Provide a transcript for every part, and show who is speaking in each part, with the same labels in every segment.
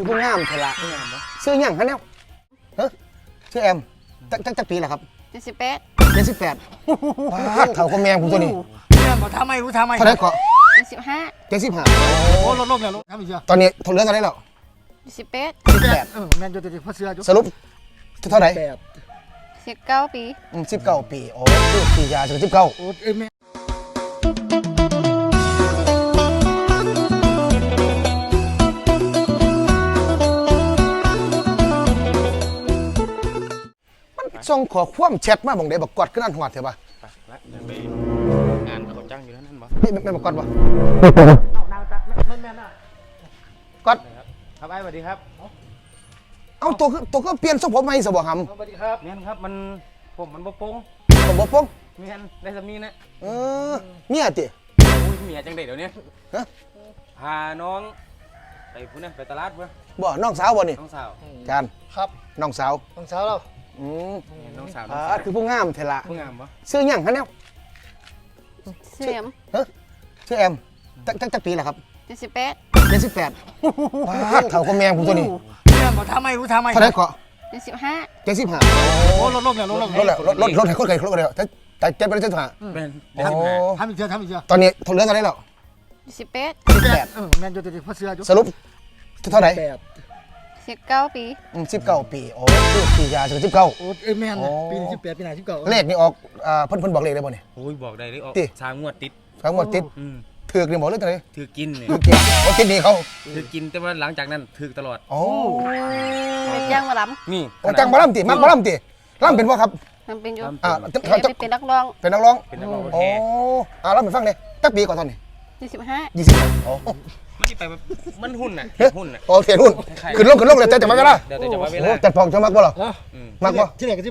Speaker 1: คือผู้งามเถอะละชื่อหยังฮะเนี่ยฮะชื่อแอมจักปีแหละครับ
Speaker 2: 78
Speaker 1: 78เท่ากับแมงผมตัวนี้
Speaker 3: เนี่ยบอกทำไมรู้ทำไม
Speaker 1: เท่าไหร่เกาะ
Speaker 2: 75
Speaker 1: 75
Speaker 3: โอ้ลดแล้วทำอีกเยอะ
Speaker 1: ตอนนี้ทนเรื่องอะไรแล้ว
Speaker 2: 18
Speaker 1: 18
Speaker 3: แมนยูติดพัสเซียจุ
Speaker 1: สรุปเท่าไหร่
Speaker 2: 19 ปี
Speaker 1: 19 ปีโอ้คือปียาถึง19
Speaker 3: โอ้เอ็มแม่
Speaker 1: ส่งขอความแชทมาบอกได้บอกกอดขึ้นอันหัวเถอะป่ะ
Speaker 4: งานเขาจ้างอยู่แล้วนั่นบ่
Speaker 1: ไม่บอกกอดป่ะ
Speaker 3: เอานางตาไม่แม่น่ะ
Speaker 1: กอด
Speaker 4: ครับไอ้สวัสดีครับ
Speaker 1: เอาตัวก็เปลี่ยนทรงผมใหม่สบหำ
Speaker 3: สวัสดีครับ
Speaker 4: แม่นครับมันบ่โป้ง
Speaker 1: ผมบอกป้อง
Speaker 4: แม่นได้สำนีนะ
Speaker 1: เมียติ
Speaker 4: อุ้ยเมียจังเด็ดเดี๋ยวนี้พาน้องไปพุ่นนะไปตลาดเพื่อ
Speaker 1: บ่น้องสาวบ่นี่
Speaker 4: น้องสาว
Speaker 1: จาน
Speaker 3: ครับ
Speaker 1: น้องสาว
Speaker 3: น้องสาวเรา
Speaker 4: น้องสาว
Speaker 1: คือผู้งามเถอะละ
Speaker 4: ผู้งามปะ
Speaker 1: ชื่อหยังฮะเนี่ย
Speaker 2: ชื่อแอม
Speaker 1: ชื่อแอมจักปีแหละครับ
Speaker 2: 78
Speaker 1: 78เท่ากับแมงผมตัวนี้
Speaker 3: เนี่ยบอกทำไมรู้ทำไม
Speaker 1: เท่าไหร่เกาะ
Speaker 2: 75
Speaker 1: 75
Speaker 3: โอ้ลดแล้ว
Speaker 1: รถให้คนไกลรถเลยแต่เจ็บไปเลย75
Speaker 4: เป็น
Speaker 3: ทำอีกเยอะ
Speaker 1: ตอนนี้ทนเรื่องอะไรแล้ว
Speaker 2: 18
Speaker 3: แมนยูติดพัสเซียจุ
Speaker 1: สรุปเท่าไหร่
Speaker 2: 19 ปี
Speaker 1: 19 ปีโอ้คือปียาถึง19
Speaker 3: โอ้เอ็มแม่ปีนี้18ปีไหน19
Speaker 1: เลขนี่ออกเพิ่นบอกเลขได้บ่เนี่ย
Speaker 4: โอ้ยบอกได้เลยออก3 งวดติด
Speaker 1: ทั้งหมดติดถือกนี่บอกเลยจังได๋
Speaker 4: ถือกินเนี่ย
Speaker 1: ถือกินเขากินนี่เขา
Speaker 4: ถือกินแต่ว่าหลังจากนั้นถือตลอด
Speaker 1: โอ้
Speaker 2: เป็นจ้างมาลำ
Speaker 4: นี่
Speaker 1: จังบ่ลำติมักบ่ลำติลำเป็นบ่ครับ
Speaker 2: มันเป็นอยู่เป็นนักร้อง
Speaker 1: เป็นนักร้อง
Speaker 4: โอ้
Speaker 1: ลำไปฟังเลยจักปีก่อนตอนนี้
Speaker 2: 25
Speaker 1: โอ้
Speaker 4: มันที่ไปมันหุ้นน่ะ
Speaker 1: โอ้เสียหุ้นขึ้นลงเลยแต่มาเวลา
Speaker 4: เดี๋ยวจะมาเวลา
Speaker 1: แต่พองจะมักบ่หรอมักบ่
Speaker 3: ที่ไหนก็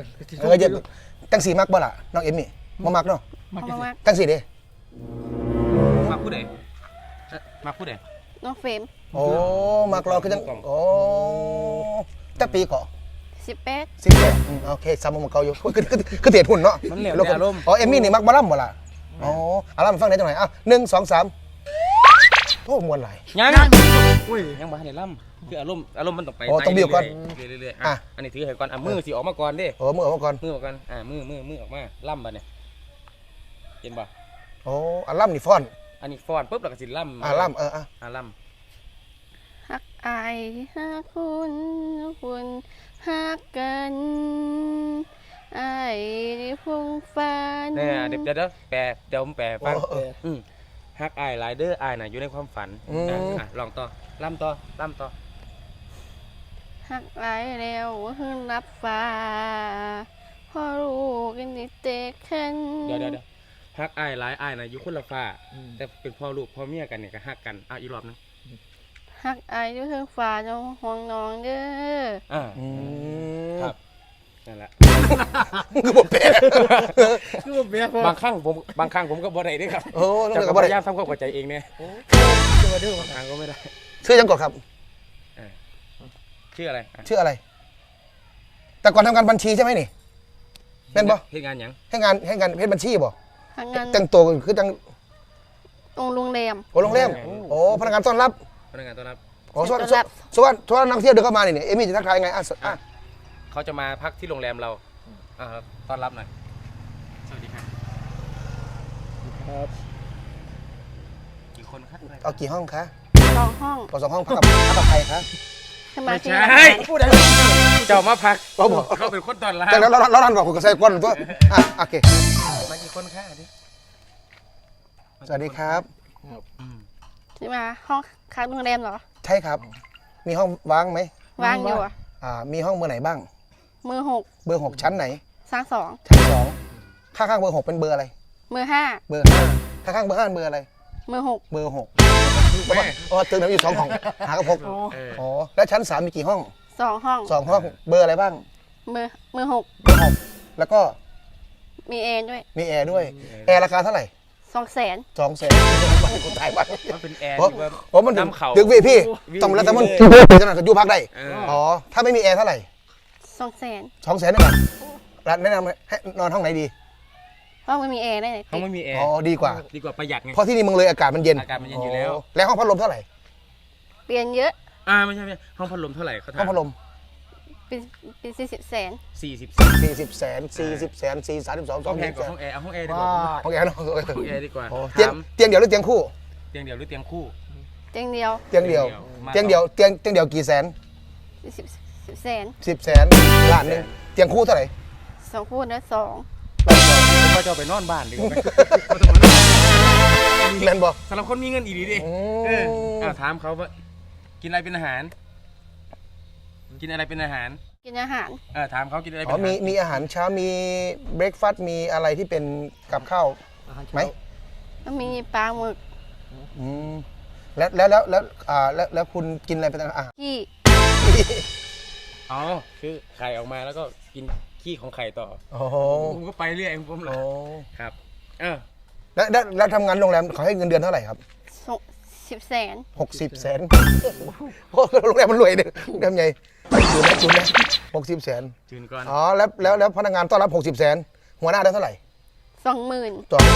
Speaker 1: 18จังสีมักบ่ล่ะน้องเอมมี่บ่มักเนาะจังสีเด้
Speaker 4: มาพูดเด้มาพูดเด้
Speaker 2: น้องเฟรม
Speaker 1: โอ้มักรอคือจังโอ้จักปีก่อ18โอเคซ้ำมาเก่าอยู่คือเถียดหุ่นเนาะ
Speaker 4: มันเหลวอารมณ์
Speaker 1: อ๋อเอมมี่นี่มักบ่ล่ำบ่ล่ะอ๋อลำฟังได้จังไหน1 2 3โอ้มวนไหล
Speaker 4: ยังบ้านในล่ำคืออารมณ์มันต้องไป
Speaker 1: ต้องเบี้ยวก่อน
Speaker 4: เรื่อยๆอันนี้ถือให้ก่อนมือสิออกมาก่อนดิ
Speaker 1: มือออกมาก่อน
Speaker 4: มือออกกันมือออกมาล่ำบ่เนี่ยเห็นบ่
Speaker 1: โอ้ล่ำนี่ฟ้อน
Speaker 4: อันนี้ฟ้อนปุ๊บแล้วก็สิล่ำ
Speaker 1: ล่ำ
Speaker 4: ล่
Speaker 2: ำฮักอายฮักคุณฮักกันอายได้พงฟ้า
Speaker 4: เนี่ยเดี๋ยวผมแปลฟังฮักอายไลเดอร์อายน่ะอยู่ในความฝันลองต่อล่ำต่อ
Speaker 2: ฮักหลายแล้วหื้อรับฟ้าพ่อรู้กันนิเตคัน
Speaker 4: เดี๋ยวฮักอายหลายอายน่ะอยู่คนละฟ้าแต่เป็นพ่อลูกพ่อเมียกันเนี่ยก็ฮักกันอีกรอบนึง
Speaker 2: ฮักอายอยู่เทิงฟ้าน้องห่วงน้องเด้อ
Speaker 4: ครับนั่นแหละ
Speaker 1: คือบ่เป๊ะ
Speaker 4: บางครั้งผมก็บ่ได้ด้วยครับจะพยายามทำความเข้าใจเองเนี่ย
Speaker 3: จะมาดื้อบาง
Speaker 4: ครั้งก็ไม่ได้
Speaker 1: ชื่อยังก่อนครับ
Speaker 4: ชื่ออะไร
Speaker 1: แต่ก่อนทำงานบัญชีใช่ไหมนี่เป็นบ่
Speaker 4: ให้งานยัง
Speaker 1: ให้งานเพชรบัญชีบ่
Speaker 2: แต่
Speaker 1: งตัวคือจัง
Speaker 2: โรงแรม
Speaker 1: โอ้พนักงานต้อนรับโอ้ส่วนนักเที่ยวเดินเข้ามาเนี่ยเอมี่จะทักทายไง
Speaker 4: เขาจะมาพักที่โรงแรมเราต้อนรับหน่อยสวัสดีครับกี่คนครับ
Speaker 1: เอากี่ห้องคะ
Speaker 2: 2 ห้อง
Speaker 1: 2 ห้องพักกับใครคะ
Speaker 2: ไม่ใช่
Speaker 4: พูดอะไรเจ้ามาพักเขาเป็นคนตอนรับ
Speaker 1: แล้วนั่นบอกคุณก็ใส่ก้นตัวโอเค
Speaker 4: มากี่คนคะ
Speaker 1: สวัสดีครับ
Speaker 2: ที่มาห้องค้างโรงแรมเหรอ
Speaker 1: ใช่ครับมีห้องว่างไหม
Speaker 2: ว่างอยู่
Speaker 1: มีห้องเบอร์ไหนบ้าง
Speaker 2: เบอร์6
Speaker 1: ชั้นไหน
Speaker 2: ชั้น 2
Speaker 1: ชั้น 2ข้างเบอร์6เป็นเบอร์อะไร
Speaker 2: เบอร์
Speaker 1: 5ข้างเบอร์5เบอร์อะไร
Speaker 2: เบอร์6
Speaker 1: ตึกนั้นอยู่2 ห้องหากับ6แล้วชั้น3มีกี่ห้อง
Speaker 2: 2 ห้อง
Speaker 1: เบอร์อะไรบ้าง
Speaker 2: เบอร์
Speaker 1: 6แล้วก็
Speaker 2: มีแอร์
Speaker 1: ด้วยแอร์ราคาเท่าไหร่
Speaker 2: 200,000
Speaker 1: คนไทยบ้าน
Speaker 4: มันเป็นแอร์
Speaker 1: ผมมันน้ำเขาดึกพี่ต้องแล้วแต่มันจะนั่งกับยูพักได้ถ้าไม่มีแอร์เท่าไหร่200,000นี่แหละร้านแนะนำให้นอนห้องไหนดี
Speaker 2: ห้องไม่มีแอร์ได้ไหน
Speaker 4: ห้องไม่มีแอร์
Speaker 1: ดีกว่า
Speaker 4: ประหยัดไง
Speaker 1: เพราะที่นี่มึงเลยอากาศมันเย็น
Speaker 4: อยู่แล้ว
Speaker 1: ห้องพัดลมเท่าไหร่
Speaker 2: เปลี่ยนเยอะ
Speaker 4: ไม่ใช่ห้องพัดลมเท่าไหร่เขาถาม
Speaker 1: ห้องพัดลม
Speaker 2: เป็น40 แสน
Speaker 1: 40 แสน40 แสน4 32
Speaker 4: ห้องแอร์
Speaker 1: 2
Speaker 4: กับ
Speaker 1: แสน
Speaker 4: ห้องแอร์เอาห้องแอร์ดีกว่า
Speaker 1: ห้องแอร์เนาะ
Speaker 4: ห้องแอร์ดีกว่า
Speaker 1: เตียงเดียวหรือเตียงคู่
Speaker 4: เตียงเดียวหรือเตียงคู่
Speaker 2: เตียงเดียว
Speaker 1: เตียงเดียวเตียงเดียวกี่แสน
Speaker 2: 10 แสน
Speaker 1: 10 แสนล้านหนึงเตียงคู่เท่าไหร่
Speaker 2: 2 คู่นะ2
Speaker 4: ผมว่าจะเอาไปนอนบ้านดีกว่าไหม
Speaker 1: แมนบ่
Speaker 4: สำหรับคนมีเงินอีดีดิถามเขาว่ากินอะไรเป็นอาหาร กินอะไรเป็นอาหาร
Speaker 2: กินอาหาร
Speaker 4: ถามเขากินอะไรเป็น
Speaker 1: อ๋อ
Speaker 4: อาหาร
Speaker 1: มีอาหารเช้ามีเบรกฟาสต์มีอะไรที่เป็นกับข้าว
Speaker 3: อาหารเช้า
Speaker 1: ไหม
Speaker 2: ก็มีปลาหมึก
Speaker 1: อืมแล้วคุณกินอะไรเป็นอาหาร
Speaker 2: ขี้
Speaker 4: อ๋อคือไข่ออกมาแล้วก็กินขี้ของไข่ต่อ
Speaker 1: โอ้โห
Speaker 4: ผมก็ไปเรื่อยผมเหรอ
Speaker 1: โอ้
Speaker 4: ครับ
Speaker 1: แล้วทำงานโรงแรมเขาให้เงินเดือนเท่าไหร่ครับ
Speaker 2: 10 แสน
Speaker 1: 60 แสนโอ้โรงแรมมันรวยเนี่ยโรงแรมใหญ่จุนนะ60 แสน
Speaker 4: จืนก่อน
Speaker 1: อ๋อแล้วพนักงานต้อนรับ60 แสนหัวหน้าได้เท่าไหร่
Speaker 2: 20,000
Speaker 1: ต่อ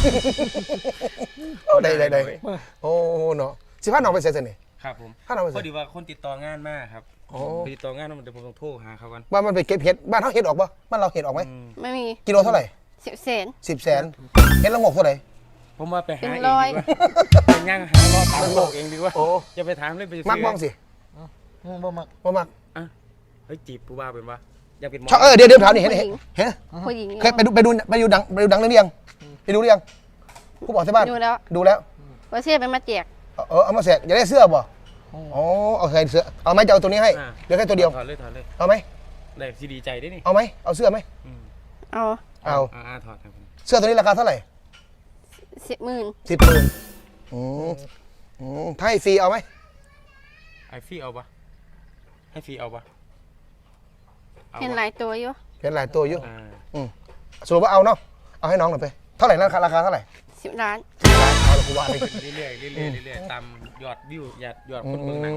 Speaker 1: ได้โอ้เนาะ15น้องไปเสียเสน่ห์
Speaker 4: ครับผม
Speaker 1: ถ้าเราไป
Speaker 4: พ
Speaker 1: เสี
Speaker 4: อย ดีว่าคนติดต่องานมากครับ
Speaker 1: โอ้
Speaker 4: ไปติดต่องานแล้วเดี๋ยวผมต้องโทรหาเขากัน
Speaker 1: บ้านมันไปเก็บเห็ดบ้านเขาเห็ดออกปะบ้านเราเห็ดออกไหม
Speaker 2: ไม่มี
Speaker 1: กิโลเท่าไหร่
Speaker 2: 10 แสน
Speaker 1: 10 แสนเห็ดละงกเท่าไหร่
Speaker 4: ผมว่าไปหา
Speaker 2: เป็น
Speaker 4: เอง
Speaker 2: ร้อย
Speaker 4: ดีกว่าเป็นย่างหารอดตามโลกเองดีกว่า
Speaker 1: โอ้
Speaker 4: อย่าไปถามเลยไปซื้
Speaker 1: มักบ้องสิ
Speaker 3: บ่มัก
Speaker 1: ว่ามัก
Speaker 4: เฮ้ยจีบผู้บ่าวเป็นวะอยากเป็นหมอ
Speaker 1: ชอบเดี๋ยวถามนี่เห็นเ
Speaker 2: ผู้หญิง
Speaker 1: เคยไปดูดังเรื่องนี้ยังไปดูหรือยังผู้บอกที่บ้าน
Speaker 2: ดูแล้ว
Speaker 1: ดูแล้ว
Speaker 2: ว่าเสียเป็นมาแจก
Speaker 1: เอามาแสกอยากได้เสื้อบ่อ๋อเอาใส่เสื้อเอาไหมจะเอาตัวนี้ให้เดี๋ยวแค่ตัวเดียว
Speaker 4: ถอดเลย
Speaker 1: เอาไหม
Speaker 4: ได้ซีดีใจได้นี่
Speaker 1: เอาไหมเอาเสื้อไหม
Speaker 2: เอา
Speaker 1: เอา
Speaker 4: ถอดครับผม
Speaker 1: เสื้อตัวนี้ราคาเท่าไหร่
Speaker 2: 10,000
Speaker 1: ถ้าให้ฟรีเอาไหม
Speaker 4: ไอฟี่เอาปะให้ฟรีเอาปะ
Speaker 2: เห็นหลายตัวอยู่
Speaker 1: เห็นหลายตัวอยู่
Speaker 4: อ่า
Speaker 1: สรุปว่าเอาเนาะเอาให้น้องหน่อยไปเท่าไหร่ราคาเท่าไหร่
Speaker 2: 10 ล้าน
Speaker 1: เอาละกูว่าเลย
Speaker 4: เรื่อยๆตามยอดวิวยอดคนเมืองหนัง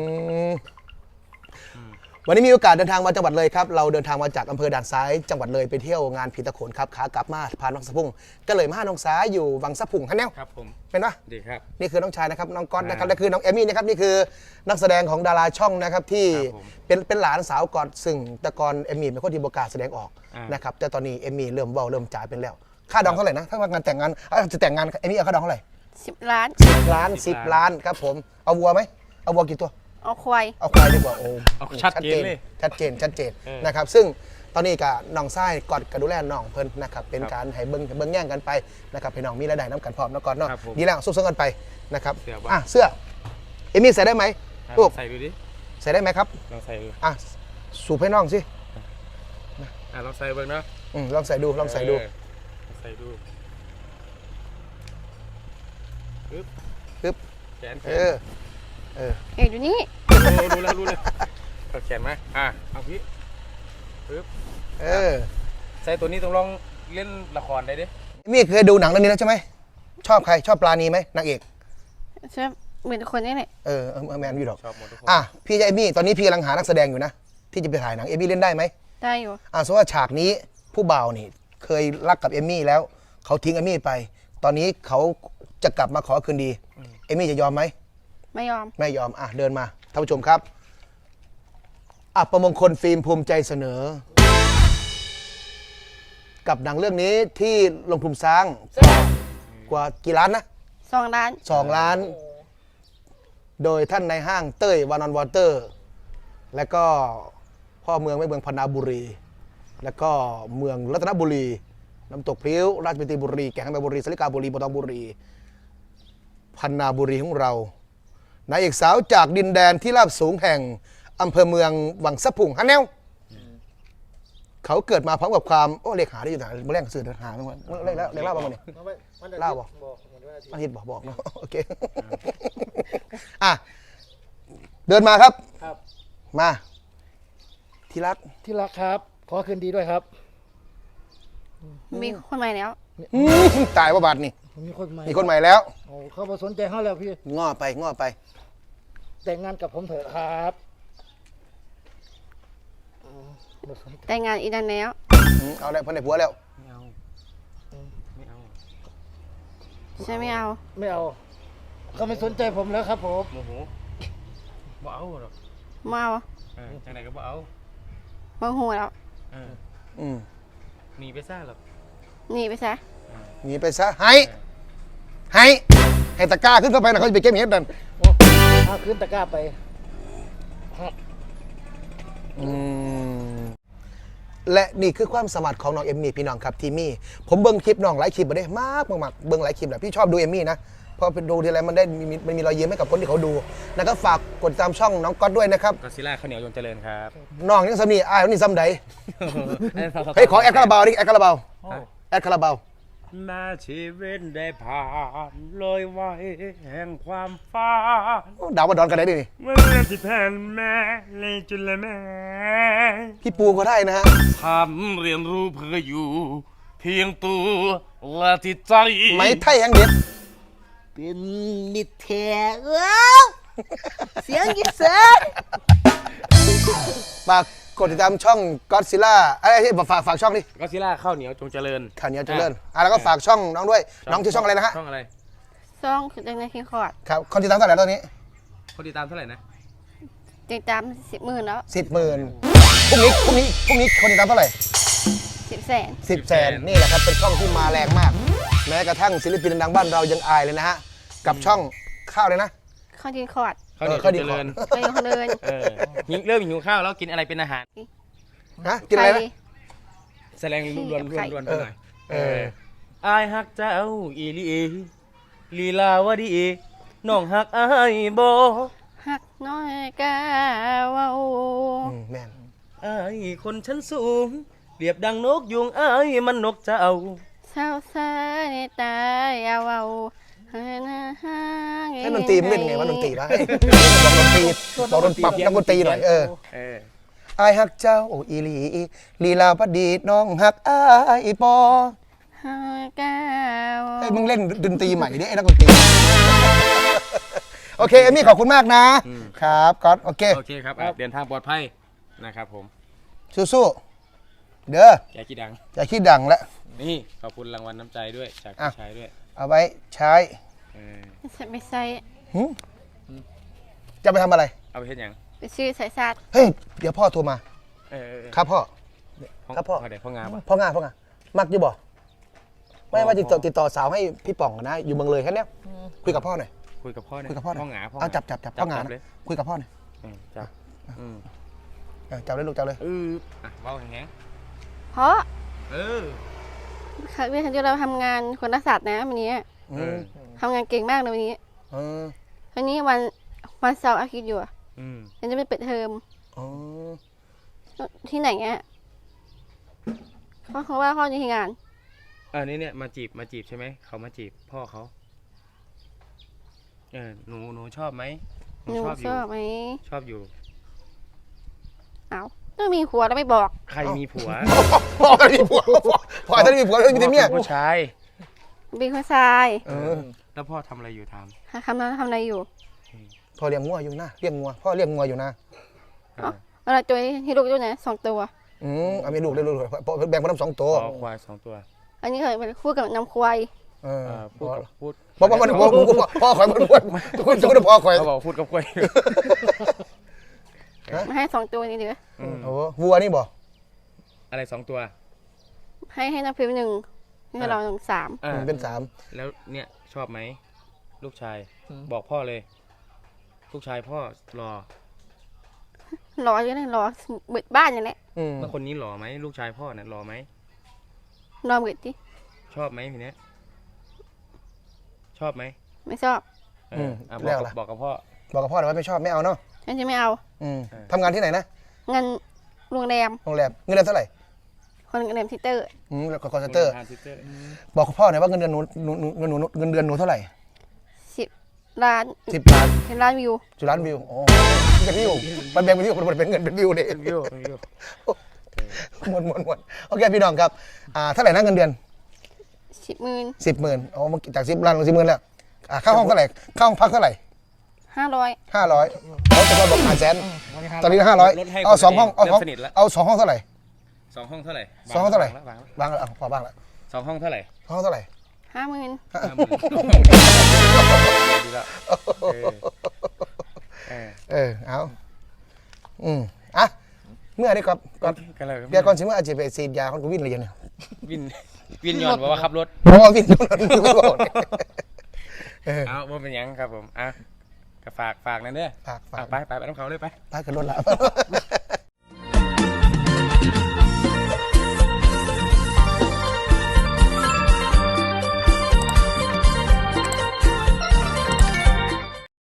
Speaker 1: วันนี้มีโอกาสเดินทางมาจังหวัดเลยครับเราเดินทางมาจากอำเภอด่านซ้ายจังหวัดเลยไปเที่ยวงานผีตะโขนครับขากลับมาพาน้องสะพุ่งก็เลยมาหาน้องสาอยู่วังสะพุ่งฮันแนว
Speaker 4: ครับผม
Speaker 1: เป็นปะ
Speaker 4: ดีครับ
Speaker 1: นี่คือน้องชายนะครับน้องก๊อตนะครับ
Speaker 4: ครับ
Speaker 1: และคือน้องเอมี่นะครับนี่คือนักแสดงของดาราช่องนะครับที่
Speaker 4: ครับผม
Speaker 1: เป็นหลานสาวก๊อตซึ่งแต่ก่อนเอมี่เป็นคนที่บกล้าแสดงออก
Speaker 4: อ่าน
Speaker 1: นะครับแต่ตอนนี้เอมี่เริ่มเว้าเริ่มจ่ายเป็นแล้วค่าดองเท่าไหร่นะถ้าว่างานแต่งงานจะแต่งงานเอมี่เอาค่าดองเท่าไหร่
Speaker 2: 10 ล้าน
Speaker 1: 10 ล้าน10 ล้านครับผมเอาวัวไหมเอาวัวกี่ตัว
Speaker 2: เอาควาย
Speaker 1: เอาควายดีกว่าโอ้
Speaker 4: เอาชัดเจนเลย
Speaker 1: ชัดเจน
Speaker 4: เออ
Speaker 1: นะครับซึ่งตอนนี้กับน้องไส้กอดกระดูแลน้องเพิ่นนะครับเป็น
Speaker 4: ครับ
Speaker 1: การให้เบิ้งแย่งกันไปนะครับให้น้องมีรายได้น้ำกันพร้อมแล้วก่อนเนาะ
Speaker 4: ครับผม
Speaker 1: ดีแล้วสู้ๆกันไปนะครับ
Speaker 4: เสื้อบ่
Speaker 1: เสื้อเอมี่ใส่ได้ไหมลูก
Speaker 4: ใส่ดูดิ
Speaker 1: ใส่ได้ไหมครับ
Speaker 4: ลองใส่ดู
Speaker 1: สูบให้น้องสิ
Speaker 4: ลองใส่เบิ่งเนาะ
Speaker 1: ลองใส่ดูลองใส่ดู
Speaker 4: ใส่ดูปึ๊บ
Speaker 1: ปึ๊บ
Speaker 4: แขน
Speaker 1: เออ
Speaker 2: เอกอยู่นี่
Speaker 4: รู้แล้วเอาแขนมาเอาพี่ปึ๊บ
Speaker 1: เออ
Speaker 4: ใส่ตัวนี้ต้องลองเล่นละครได้ดิ
Speaker 1: เอมี่เคยดูหนังเรื่องนี้แล้วใช่ไหมชอบใครชอบปลาณีไหมนางเอก
Speaker 2: ใช่เหมือนคนนี้แหละ
Speaker 1: แมนอยู่ดอก
Speaker 4: ชอบหมดทุกคน
Speaker 1: พี่จะเอมี่ตอนนี้พี่กำลังหานักแสดงอยู่นะที่จะไปถ่ายหนังเอมี่เล่นได้ไหม
Speaker 2: ได้อยู่
Speaker 1: สมมติว่าฉากนี้ผู้บ่าวนี่เคยรักกับเอมมี่แล้วเขาทิ้งเอมมี่ไป ตอนนี้เขาจะกลับมาขอคืนดีเอมมี่จะยอมไหม
Speaker 2: ไม่ยอม
Speaker 1: ไม่ยอมเดินมาท่านผู้ชมครับอัปมงคลฟิล์มภูมิใจเสนอ กับหนังเรื่องนี้ที่ลงทุนสร้างกว่ากี่ล้านนะ
Speaker 2: 2 ล้าน
Speaker 1: 2 ล้าน โดยท่านในห้างเต้ยวานอนวอเตอร์ และก็พ่อเมืองไม่เมืองพนาบุรี แล้วก็เมืองรัตนบุรี น้ำตกพริ้ว ราชบุรีบุรี แก่งแม่บุรีสลิกาบุรีปตองบุรีพนาบุรีของเรานายเอกสาวจากดินแดนที่ราบสูงแห่งอำเภอเมืองวังสะพุงฮันแนวเขาเกิดมาพร้อมกับความเลขหาได้อยู่ไหนมาแรงสื่อหาไม่หมดเลขเล่าบ้างมั้ยเล่าบ่อาทิตย์บอกเนาะโอเคเดินมาครับ
Speaker 3: ครับ
Speaker 1: มาที่รัก
Speaker 3: ที่รักครับ ขอคืนดีด้วยครับ
Speaker 2: มีคนใหม่แล้ว
Speaker 1: ตายว่าบาดนี่
Speaker 3: มีคนใหม่
Speaker 1: มีคนใหม่แล้ว
Speaker 3: โอ้เขาบ่สนใจเขาแล้วพี่
Speaker 1: ง้อไป
Speaker 3: แต่งงานกับผมเถอะครับบ่สนใจ
Speaker 2: แต่งงานอีกนานแล้ว
Speaker 1: เอาแล้วเพิ่นได้ผัวแล้ว
Speaker 4: ไม่เอา
Speaker 2: ใช่ไม่เอา
Speaker 3: ไม่เอาเขาไม่สนใจผมแล้วครับผม
Speaker 4: โมโหบ่เอาหรอก
Speaker 2: มา
Speaker 4: จังไหนก็บ่เอา
Speaker 2: บางหัวแล้ว
Speaker 4: เออ
Speaker 1: อืม
Speaker 4: หนีไปซ่าหรอก
Speaker 2: หนีไปซะ
Speaker 1: หนีไปซะให้ตะกร้าขึ้นเข้าไปนะเขาจะไปเก็บเห็ดนั่น
Speaker 3: โอ้ถ้าขึ้นตะกร้าไปครับ
Speaker 1: และนี่คือความสามารถของน้องเอมมี่พี่น้องครับทีมี่ผมเบิ้งคลิปน้องหลายคลิปมาได้มากเบิ้งหลายคลิปแหละพี่ชอบดูเอมมี่นะเพราะเป็นดูทีไรมันได้มีรอยยิ้มให้กับคนที่เขาดูนะครับฝากกดติดตามช่องน้องก๊อตด้วยนะครับ
Speaker 4: ก็ซิล่าข้าวเหนียวยงเจริญครับ
Speaker 1: น้องยังซ้ำนี่อ้ายนี่ซ้ำใดเฮ้ยขอแอดคาราบาวดิแอดคาราบาวแอดคาราบาว
Speaker 4: มาชีวิตได้ผ่านลอยไว้แห่งความฝัน
Speaker 1: ดาวมาดอนกันได้ดินี่
Speaker 4: เมื่อเรื่องที่แผ่นแม่เลยจุลแม่
Speaker 1: พี่ปูก็ได้นะฮะ
Speaker 4: ทำเรียนรู้เพื่ออยู่ เพียงตัวและที่ใจ
Speaker 1: ไหมไทยแห่งเด็ด
Speaker 3: เป็นมิตรแท้เสียงยิ่งเสียง
Speaker 1: ฝากกดติดตามช่องก็อดซิล่าอะไรที่ฝากช่องดิ
Speaker 4: ก็ซิล่าข้าวเหนียวจงเจริญ
Speaker 1: ข่าวเหนียวเจริญแล้วก็ฝากช่องน้องด้วยน้องชื่อช่องอะไรนะฮะ
Speaker 4: ช่องอะไร
Speaker 2: ซ่องคือจังในคิงคอร์ด
Speaker 1: ครับคนติดตามเท่าไหร่ตอนนี้
Speaker 4: คนติดตามเท่าไหร่นะ
Speaker 2: ติดตาม10,000แล้ว
Speaker 1: 10,000พรุ่งนี้คนติดตามเท่าไหร่
Speaker 2: 1000,000
Speaker 1: 10,000,000นี่แหละครับเป็นช่องที่มาแรงมาก แม้กระทั่งศิลปินดังๆบ้านเรายังอายเลยนะฮะกับช่องข้าวเลยนะ
Speaker 2: ข้าวกินคอร์ด
Speaker 4: ข้าวเหนียว
Speaker 1: ข้าว
Speaker 4: จ
Speaker 1: ดี
Speaker 4: งเจริญ
Speaker 2: ข้าวคนเดิน
Speaker 4: เริ่มหิวข้าวแล้วกินอะไรเป็นอาหาร
Speaker 1: ฮะกินอะไรนะ
Speaker 4: แสดงรวนๆไปหน่อย
Speaker 1: เออ
Speaker 4: อายฮักเจ้าอีลีลีลาวดีน้องฮักอายบ่
Speaker 2: หักน้อยกาเว้า
Speaker 1: แม่น
Speaker 4: อายคนชั้นสูงเปรียบดังนกยุงอายมันนกเจ้า
Speaker 2: เศร้าซาในตายาเว้าให้นะฮะ
Speaker 1: ให้ดนตรีมันเล่นไงวะดนตรีวะบอกดนตรีปรับนักดนตรีหน่อย
Speaker 4: เออ
Speaker 1: อายฮักเจ้าอีหลีลีลาพดีน้องฮักอายปอ
Speaker 2: หักกาเว้า
Speaker 1: ไอ้ยมึงเล่นดนตรีใหม่ดิไอ้นักดนตรีโอเคเอมี่ขอบคุณมากนะครับก๊อตโอเค
Speaker 4: โอเคครับเดินทางปลอดภัยนะครับผม
Speaker 1: สู้ๆเด้อ
Speaker 4: แกกี่ดัง
Speaker 1: อย่าคิดดังแล้ว
Speaker 4: นี่ขอบคุณรางวัลน้ำใจด้วยจากพี่ชายด้วย
Speaker 1: เอาไว้ใช้
Speaker 2: ไม่ใส่
Speaker 1: จะไปทำอะไร
Speaker 4: เอาไปเฮ็ดหยัง
Speaker 2: ไปซื้อสายซาด
Speaker 1: เฮ้ยเดี๋ยวพ่อโทรมาครับพ่อ ครับพ่อ
Speaker 4: เดี๋ยวพ่องาม
Speaker 1: พ่องามักอยู่บ่ไม่ว่าติดต่อสาวให้พี่ป่องนะอยู่เมืองเลยแค่เนี้ยคุยกับพ่อหน่อย
Speaker 4: คุยกับพ่อหน่อย
Speaker 1: คุยกับพ่อหน่อย
Speaker 4: พ่องา
Speaker 1: เอาจับพ่องานะ
Speaker 4: เลย
Speaker 1: คุยกับพ่อหน่อย
Speaker 4: จับ
Speaker 1: จับเลยลูกจับเลย
Speaker 4: เว้าแห้ง
Speaker 2: เพราะ
Speaker 4: เออ
Speaker 2: เมื่อครั้งที่เราทำงานคนรักษานะวันนี้ทำงานเก่งมากเลยวันนี้วันนี้วันเสาร์อาทิตย์อยู่ยังจะไม่เปิดเทอมที่ไหนอ่ะเขาว่าพ่อจะที่งาน
Speaker 4: นี่เนี่ยมาจีบใช่ไหมเขามาจีบพ่อเขาหนูชอบไหม
Speaker 2: หนูชอบไหม
Speaker 4: ชอบอยู่
Speaker 2: เอาต้องมีผัวแล้วไม่บอก
Speaker 4: ใครมีผัว
Speaker 1: พ่อมีผัวพ่อจะมีผัวแล้วมีแต่เมีย
Speaker 4: ผู้ชาย
Speaker 2: เป็นคนชาย
Speaker 4: แล้วพ่อทำอะไรอยู่ถาม
Speaker 2: ทำอะไรอยู่
Speaker 1: พ่อเลี้ยงงัวอยู่นะเลี้ยงงัวพ่อเลี้ยงงัวอยู่นะ
Speaker 2: อะไรตัวที่ลูกด้วยนะ2 ตัว
Speaker 1: เอามีลูกได้ลูกแบ่งมาทั้ง2 ตัว
Speaker 4: ควาย2 ตัว
Speaker 2: อันนี้เคยเป็นคู่กับน้ำควาย
Speaker 4: พูด
Speaker 1: พ่อคอยมันทุกคนพ่อคอย
Speaker 4: เขาบอกพูดกับกล้วย
Speaker 2: มาให้2 ตัวนี้เดี๋ยว
Speaker 1: โอ้วัวนี่บ่
Speaker 4: อะไร2 ตัว
Speaker 2: ให้น้ำพิมพ์1ให้เรา3
Speaker 1: เป็น3
Speaker 4: แล้วเนี่ยชอบไหมลูกชายบอกพ่อเลย ลูกชายพ่อรอ
Speaker 2: รออยู่นะรอเบิดบ้านอย่างนี้
Speaker 4: แล้วคนนี้หล่อไหมลูกชายพ่อเนี่ยหล่อไหม
Speaker 2: รอเบิดดิ
Speaker 4: ชอบไหมทีเนี้ยชอบไหม
Speaker 2: ไม่ชอบ
Speaker 4: บอกกับพ่อ
Speaker 1: บอกกับพ่อหน่อยว่าไม่ชอบไม่เอาเนาะ
Speaker 2: ฉันจะไม่เอา
Speaker 1: ทำงานที่ไหนนะ
Speaker 2: เงินโรงแรม
Speaker 1: โรงแรมเงินเดือนเท่าไหร่
Speaker 2: คนโรงแรมทิเตอร์
Speaker 1: แล้วก็คอนเซ็นเตอร์บอกกับพ่อหน่อยว่าเงินเดือนหนูเท่าไหร่
Speaker 2: 10 ล้าน
Speaker 1: 10 ล้าน
Speaker 2: 10 ล้านวิว
Speaker 1: 10 ล้านวิวโอ้เป็นวิวมันแบ่งเป็นวิวมันเป็นเงินเป็นวิวเนี่ย
Speaker 4: วิว
Speaker 1: มวนโอเคพี่น้องครับเท่าไหร่นะเงินเดือน
Speaker 2: 10,000
Speaker 1: 10,000อ๋อจาก10 ล้านลง10,000แล้วค่าห้องเท่าไหร่ค่าห้องพักเท่าไหร่
Speaker 2: 500
Speaker 1: 500เขาจะบอก500,000ตอนนี้500เอา2 ห้องเอา2 ห้องเท่าไหร่
Speaker 4: 2 ห้องเท่าไหร่
Speaker 1: 2 ห้องเท่าไหร่บางแล้วพอบ้างแล้ว
Speaker 4: 2 ห้องเท่าไหร่
Speaker 1: ห้องเท่าไหร่
Speaker 2: 50,000
Speaker 4: ดีแล้ว
Speaker 1: เอาอ่ะเมื่อได้ก่อน
Speaker 4: กันเลย
Speaker 1: เดี๋ยวก่อนสิเมื่ออาจจะไปฉีดยาคนก็วิ่งเลยเนี่ย
Speaker 4: วินย้อนบอกว่าขับรถ
Speaker 1: เพราะว่าวิ่งรถไม่บอกเนี่ย
Speaker 4: เอาบ่เป็นหยังครับผมอ่ะก็ฝากนั่นเด้อ
Speaker 1: ฝาก
Speaker 4: ไปน้ำเขาเลยไป
Speaker 1: ไปกันรถละ